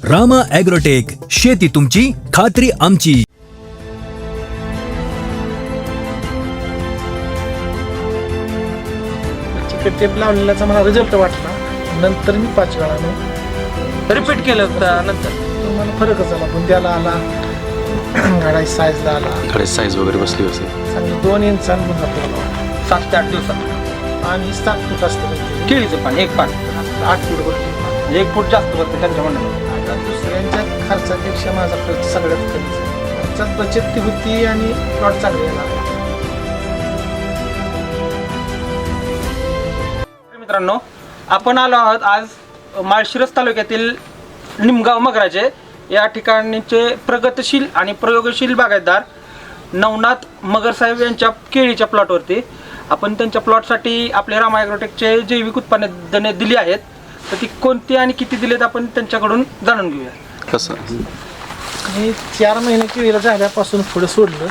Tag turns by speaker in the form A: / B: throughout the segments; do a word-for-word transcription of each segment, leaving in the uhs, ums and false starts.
A: Rama agrotech, शेती तुमची खात्री आमची.
B: चिकट टेप लावलेल्याचा मला रिझल्ट वाटला. नंतर मी पाच वेळा
C: रिपीट केलं होतं नंतर
B: मला फरकच आला. बुंद्याला आला, गाडाची साईजला आला,
D: गाडाची साईज वगैरे बसली असेल.
B: चांगली दोन इंच आणि बुंदा फुला
C: सात ते आठ दिवसात.
B: आणि सात फूट असतं
C: केळीचं पान एक पान
B: आठ फूट भरते.
C: म्हणजे एक फूट जास्त भरते त्यांच्या म्हणणं.
B: आता दुसऱ्यांच्या खर्चापेक्षा माझा खर्च सगळ्यात कमी आहे. खर्चात बचत ती होती आणि प्लॉट चांगले येणार.
C: मित्रांनो, आपण आलो आहोत आज माळशिरस तालुक्यातील निमगाव मगराजे या ठिकाणचे प्रगतशील आणि प्रयोगशील बागायतदार नवनाथ मगर साहेब यांच्या केळीच्या प्लॉटवरती. आपण त्यांच्या प्लॉटसाठी आपले रामा ॲग्रोटेकचे जैविक उत्पादने दिली आहेत. तर ती कोणती आणि किती दिलेत आपण त्यांच्याकडून जाणून घेऊया.
D: कसं
B: मी चार महिने केळीला झाल्यापासून पुढे सोडलं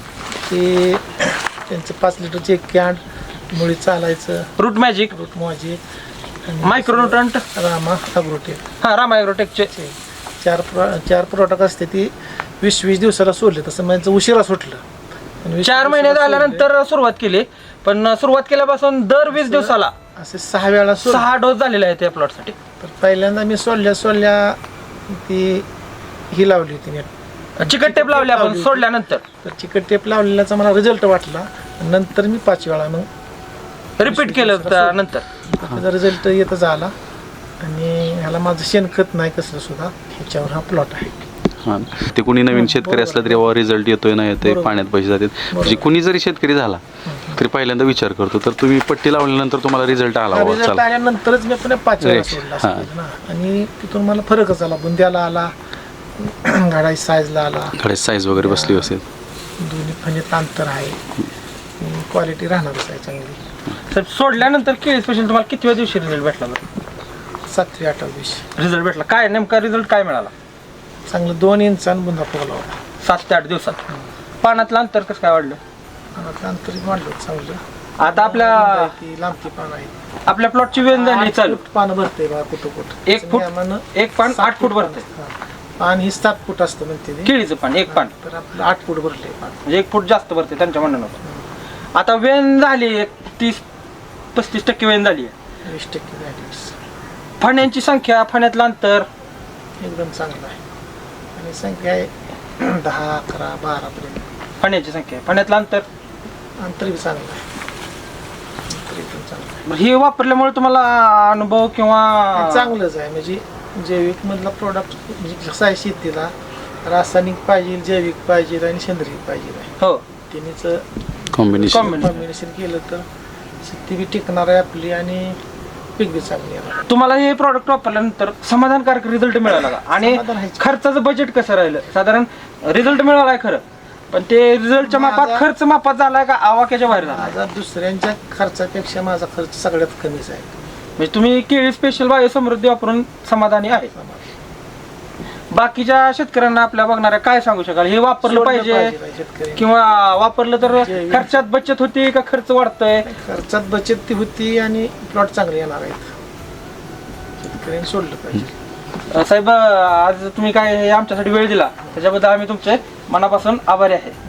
B: की त्यांचं पाच लिटरचे एक कॅन मुळी चालायचं,
C: रूट मॅजिक,
B: रूट माझी
C: मायक्रोन्युट्रंट,
B: रामा ॲग्रोटेक.
C: हां रामा ॲग्रोटेकचे
B: चार प्रो चार प्रोडक्ट असते ती वीस वीस दिवसाला सोडले. तसं माझं उशिरा सुटलं. पण वीस
C: चार महिने
B: दिवसाला
C: झाल्यानंतर सुरुवात केली. पण सुरुवात केल्यापासून दर वीस दिवसाला
B: सोडले. असे सहा वेळा सोडले.
C: सहा डोस झालेले आहेत या प्लॉटसाठी.
B: तर पहिल्यांदा मी सोडल्या सोडल्या ती ही लावली होती नेट.
C: चिकट टेप लावली आपण सोडल्यानंतर.
B: तर चिकट टेप लावलेल्याचा मला रिझल्ट वाटला. नंतर मी पाच वेळा मग
C: रिपीट केलं होतं नंतर.
B: त्याचा रिझल्ट येतच आला. आणि ह्याला माझं शेणखत नाही कसलं सुद्धा. ह्याच्यावर हा प्लॉट आहे.
D: हां, ते कुणी नवीन शेतकरी असला तरी बाबा रिझल्ट येतोय ना येतोय, पाण्यात पैसे जातात. म्हणजे कुणी जरी शेतकरी झाला तरी पहिल्यांदा विचार करतो. तर तुम्ही पट्टी लावल्यानंतर तुम्हाला रिझल्ट आला बाबा
B: रिझल्ट
D: चला.
B: आल्यानंतरच मी पुन्हा पाच वेळा सोडला असं केलं ना. आणि तिथून मला फरकच आला. बुंद्याला आला, गाडाची साईजला आला,
D: गाडाची साईज वगैरे बसली असेल.
B: दोन्ही फणीत अंतर आहे. क्वालिटी राहणारच आहे चांगली.
C: तर सोडल्यानंतर केळी स्पेशल तुम्हाला कितव्या दिवशी रिझल्ट भेटला बरं?
B: सातवी आठव्या दिवशी
C: रिझल्ट भेटला. काय नेमका रिझल्ट काय मिळाला?
B: चांगलं दोन इंच आणि बुंदा फुगला होता.
C: सात ते आठ दिवसात. पानातलं अंतर कसं काय वाढलं?
B: आणि अंतर वाढलं चांगलं.
C: आता आपल्या
B: ती लांबती पानं आहे.
C: आपल्या प्लॉटची वेळ झाली चालू.
B: पानं भरते बा कुठं कुठं.
C: एक फूट एक पान आठ फूट भरते.
B: पान ही सात फूट असतं म्हणते ते.
C: केळीचं पान एक पान
B: तर आपलं आठ फूट भरले पान.
C: म्हणजे एक फूट जास्त भरते त्यांच्या म्हणणं. आता वेन झाली एक तीस पस्तीस टक्के वेन झाली आहे.
B: वीस टक्के झाली.
C: फण्यांची संख्या, फण्यातलं अंतर
B: एकदम चांगलं आहे. आणि संख्या आहे दहा अकरा बारा पर्यंत
C: फण्याची संख्या, फण्यातलं अंतर
B: अंतर बी चांगलं आहे. अंतर एकदम चांगलं आहे.
C: हे वापरल्यामुळे तुम्हाला अनुभव किंवा
B: चांगलंच आहे. म्हणजे जैविक मधला प्रोडक्ट म्हणजे कसं आहे, शेतीला रासायनिक पाहिजे, जैविक पाहिजे आणि सेंद्रिय पाहिजे आहे.
C: हो
B: तिन्हीचं
D: कॉम्बिनेशन
B: कॉम्बिनेशन केलं तर शेती बी टिकणार आहे आपली आणि पीक बी चांगली येणार.
C: तुम्हाला हे प्रॉडक्ट वापरल्यानंतर समाधानकारक रिझल्ट मिळाला का? आणि
B: समाधान आहे.
C: खर्चाचं बजेट कसं राहिलं? साधारण रिझल्ट मिळालाय खरं, पण ते रिझल्टच्या मापात
B: माझा-
C: खर्च मापात झालाय का आवाक्याच्या बाहेर झाला?
B: माझा दुसऱ्यांच्या खर्चापेक्षा माझा खर्च सगळ्यात कमीच आहे.
C: म्हणजे तुम्ही केळी स्पेशल बायो समृद्धी वापरून समाधानी आहे. बाकीच्या शेतकऱ्यांना आपल्या बघणाऱ्या काय सांगू शकाल? हे वापरलं
B: सोडलं
C: पाहिजे
B: पाहिजे शेतकऱ्यांनी.
C: किंवा वापरलं तर
B: जैविक-
C: खर्चात बचत होती का खर्च वाढतोय?
B: खर्चात बचत ती होती आणि प्लॉट चांगले येणार आहेत. शेतकऱ्यांनी सोडलं पाहिजे.
C: साहेब, आज तुम्ही काय हे आमच्यासाठी वेळ दिला त्याच्याबद्दल आम्ही तुमचे मनापासून आभारी आहे.